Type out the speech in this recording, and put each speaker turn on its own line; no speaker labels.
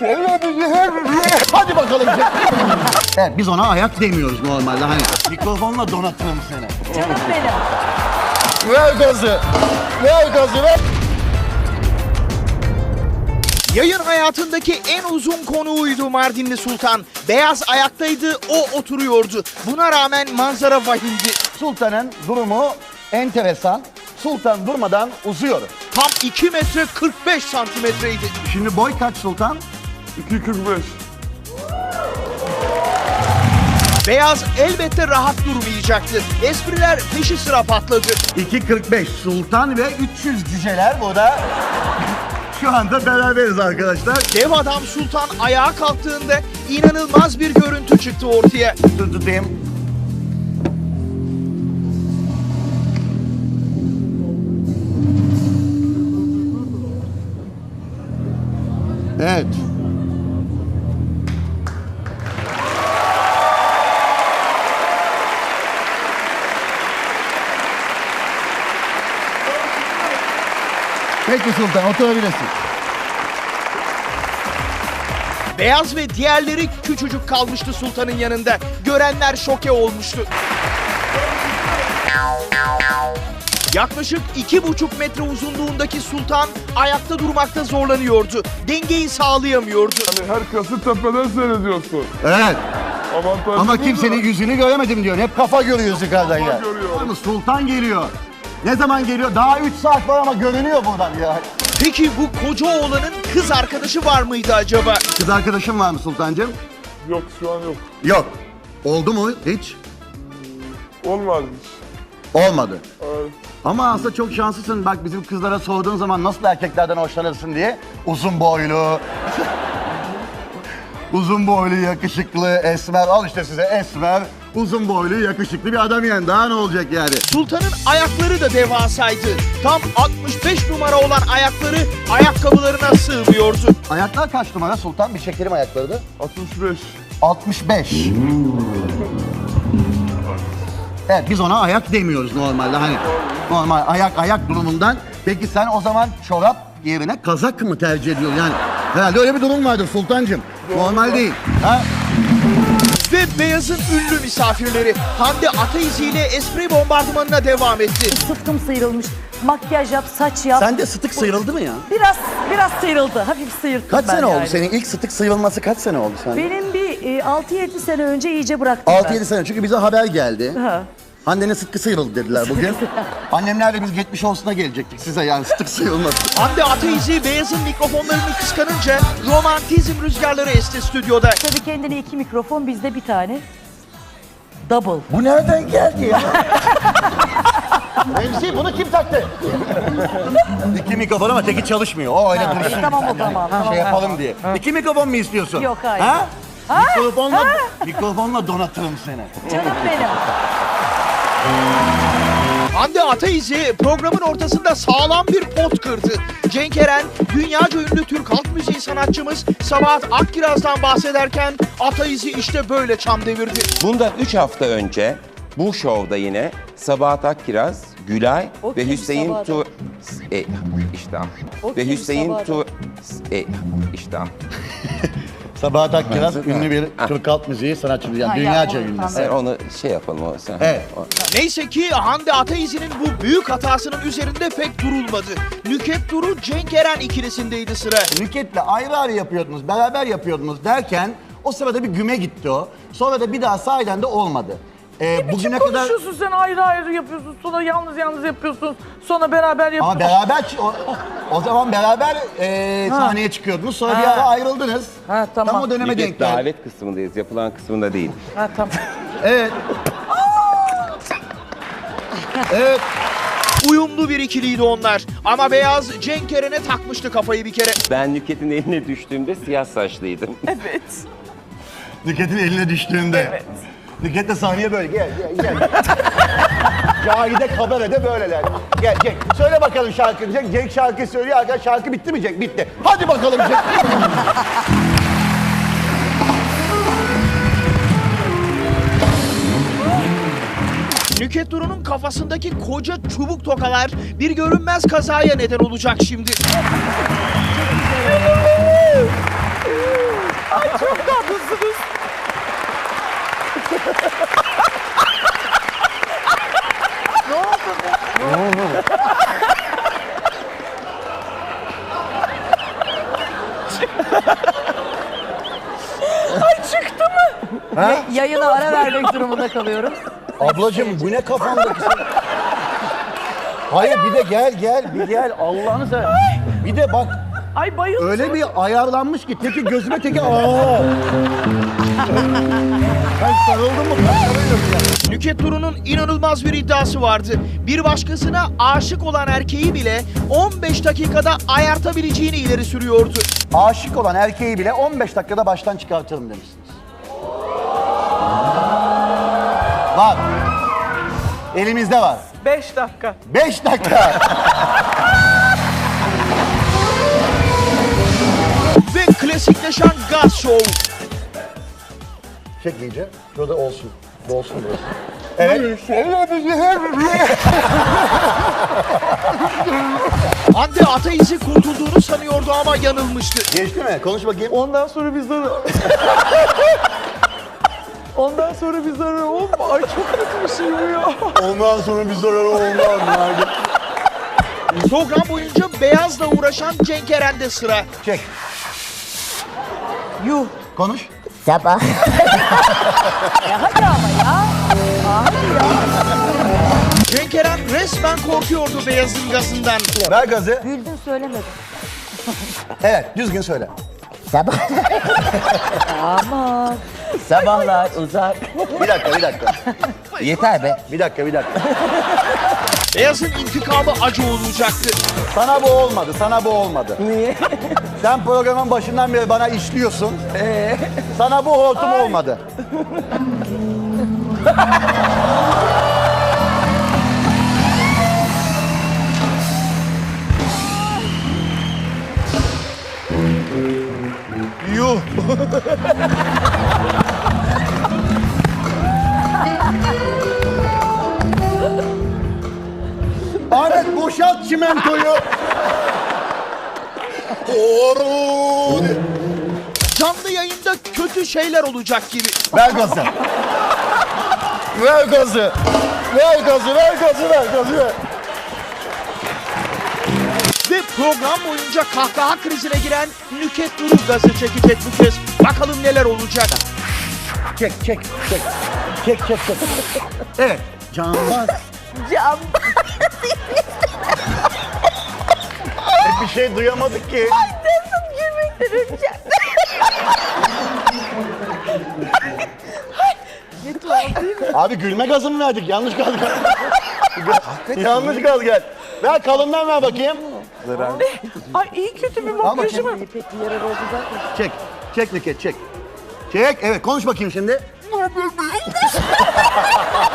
Hadi bakalım. Evet, biz ona ayak demiyoruz normalde hani. Mikrofonla donatırım seni.
Canım benim.
Ver gazı. Ver gazı ver.
Yayın hayatındaki en uzun konuğuydu Mardinli Sultan. Beyaz ayaktaydı, o oturuyordu. Buna rağmen manzara vahimdi.
Sultan'ın durumu enteresan. Sultan durmadan uzuyor.
Tam 2 metre 45 santimetreydi.
Şimdi boy kaç Sultan?
2.45.
Beyaz elbette rahat durmayacaktı. Espriler peşi sıra patladı.
2.45 Sultan ve 300 cüceler burada. Şu anda beraberiz arkadaşlar.
Dev adam Sultan ayağa kalktığında inanılmaz bir görüntü çıktı ortaya.
Dur tutayım. Evet. Peki Sultan, oturabilirsin.
Beyaz ve diğerleri küçücük kalmıştı Sultan'ın yanında. Görenler şoke olmuştu. Yaklaşık 2,5 metre uzunluğundaki Sultan ayakta durmakta zorlanıyordu. Dengeyi sağlayamıyordu.
Hani herkesi tepeden seyrediyorsun.
Evet.
Avantajlı
Ama
bu
kimsenin
da.
yüzünü göremedim diyor. Hep kafa görüyoruz yukarıdan ya.
görüyor.
Ama Sultan geliyor. Ne zaman geliyor? Daha 3 saat var ama görünüyor buradan ya.
Peki bu koca oğlanın kız arkadaşı var mıydı acaba?
Kız arkadaşın var mı Sultancığım?
Yok şu an yok.
Yok. Oldu mu hiç?
Olmadı hiç.
Olmadı.
Evet.
Ama aslında çok şanslısın. Bak bizim kızlara sorduğun zaman nasıl erkeklerden hoşlanırsın diye. Uzun boylu. Uzun boylu, yakışıklı, esmer. Al işte size esmer, uzun boylu, yakışıklı bir adam yani. Daha ne olacak yani?
Sultan'ın ayakları da devasaydı. Tam 65 numara olan ayakları ayakkabılarına sığmıyordu.
Ayaklar kaç numara Sultan? Bir çekelim ayakları da.
65.
65. Evet, biz ona ayak demiyoruz normalde hani. Normal ayak durumundan. Peki sen o zaman çorap yerine kazak mı tercih ediyorsun yani? Herhalde öyle bir durum vardır Sultancığım. Normal değil. Ha?
Ve Beyaz'ın ünlü misafirleri Hande Ataizi ile espri bombardımanına devam etti.
Sıtkım sıyrılmış. Makyaj yap, saç yap.
Sende sıtık sıyrıldı mı ya?
Biraz sıyrıldı. Hafif sıyırttım
Kaç
ben
sene oldu
yani.
senin ilk sıtık sıyrılması kaç sene oldu sende?
Benim bir 6-7 sene önce iyice bıraktım
6-7 sene çünkü bize haber geldi.
Ha.
Hande'nin sıtkı sıyrıldı dediler bugün. Annemlerle biz geçmiş olsuna gelecektik size yani sıtık sıyrılması.
Hande Ataizi Beyaz'ın mikrofonlarını kıskanınca romantizm rüzgarları esti stüdyoda.
Tabii kendine 2 mikrofon, bizde bir tane. Double.
Bu nereden geldi ya? Remzi bunu kim taktı? İki mikrofon ama teki çalışmıyor. O öyle dursun.
Tamam o zaman. Tamam.
Yapalım diye. İki mikrofon mu istiyorsun?
Yok, hayır.
Ha? Mikrofonla donatırım seni.
Canım benim.
Hande Ataizi programın ortasında sağlam bir pot kırdı. Cenk Eren, dünyaca ünlü Türk halk müziği sanatçımız Sabahat Akkiraz'dan bahsederken Ataizi işte böyle çam devirdi.
Bundan 3 hafta önce bu şovda yine Sabahat Akkiraz, Gülay
O
ve
kim
Hüseyin
Sabahat?
işte
O
ve
kim
Hüseyin
Sabahat?
işte
Sabahat Akkiraz
Ha.
ünlü bir Türk halk müziği sanatçısı. Yani
Ha,
dünyaca
ya,
ünlü.
tamam.
sen onu şey yapalım o sen.
Evet.
Neyse ki Hande Ataizi'nin bu büyük hatasının üzerinde pek durulmadı. Nüket Duru, Cenk Eren ikilisindeydi sıra.
Nüket'le ayrı ayrı yapıyordunuz, beraber yapıyordunuz derken o sırada bir güme gitti o. Sonra da bir daha sahiden de olmadı. Bugüne kadar...
Konuşuyorsun sen ayrı ayrı yapıyorsun, sonra yalnız yapıyorsun, sonra beraber yapıyorsun.
Ama beraber, o zaman beraber sahneye çıkıyordunuz. Sonra bir ara ayrıldınız.
Ha, tamam.
Tam o döneme denk
Nükhet
geldi.
davet kısmındayız, yapılan kısmında değil.
Ha tamam.
Evet. Evet.
Uyumlu bir ikiliydi onlar. Ama Beyaz Cenk Eren'e takmıştı kafayı bir kere.
Ben Nükhet'in eline düştüğümde siyah saçlıydım.
Evet.
Nüket'in eline düştüğünde. Evet. Nüket de sahneye böyle gel. Cahide kamerada böyleler. Gel Cenk. Söyle bakalım şarkını Cenk. Cenk şarkı söylüyor. Arkadaş şarkı bitti mi Cenk? Bitti. Hadi bakalım Cenk.
Nüket Duru'nun kafasındaki koca çubuk tokalar bir görünmez kazaya neden olacak şimdi.
Çıktı mı?
Yayına ara vermek durumunda kalıyorum.
Ablacığım bu ne kafandaki sen? Hayır bir de gel Allah'ını seversen. Bir de bak
Ay bayıldım.
öyle bir ayarlanmış ki teki gözüme teki aa. Ben sarıldım mı?
Nükhet Duru'nun inanılmaz bir iddiası vardı. Bir başkasına aşık olan erkeği bile 15 dakikada ayartabileceğini ileri sürüyordu.
Aşık olan erkeği bile 15 dakikada baştan çıkartırım demişsiniz. Var. Elimizde var.
5 dakika.
5 dakika.
Ve klasikleşen gaz show.
Çek iyice. Şurada olsun. Dolsun burası. Evet.
Hande Ataizi kurtulduğunu sanıyordu ama yanılmıştı.
Geçti mi? Konuş bakayım.
Ondan sonra bir zarar. Ondan sonra bir zarar olma. Ay çok kötü bir şey bu ya.
Ondan sonra bir zararı olmaz.
Program boyunca beyazla uğraşan Cenk Eren'de sıra.
Çek.
Yuh.
Konuş.
Sabah. Hadi ama ya. Hadi ya.
Cenk Eren resmen korkuyordu beyazın gazından.
Ver gazı.
Güldün söylemedim.
Evet, düzgün söyle.
Sabah. Aman.
Sabahlar uzak.
Bir dakika.
Yeter be.
Bir dakika.
Beyazın intikamı acı olacaktı.
Sana bu olmadı.
Niye?
Sen programın başından beri bana işliyorsun. Sana bu hortum olmadı.
Yuh.
Ahmet boşalt çimentoyu. Horun.
Canlı yayında kötü şeyler olacak gibi.
Ver gazı. Ver.
Ve program boyunca kahkaha krizine giren Nükhet Duru gazı çekecek bu kez. Bakalım neler olacak.
Çek. Evet. Canbaz.
Cam.
Bir şey duyamadık ki.
Nasıl gülmekten öleceğim. Ne tuhaf değil mi?
Abi gülme gazı mı verdik? Yanlış gaz gel. Yanlış gaz gel. Ver kalından ver bakayım.
Ay iyi kötü bir
Al
makyajı
bakayım.
mı?
Pek bir yarar oldu zaten.
Çek Nükhet çek. Evet konuş bakayım şimdi.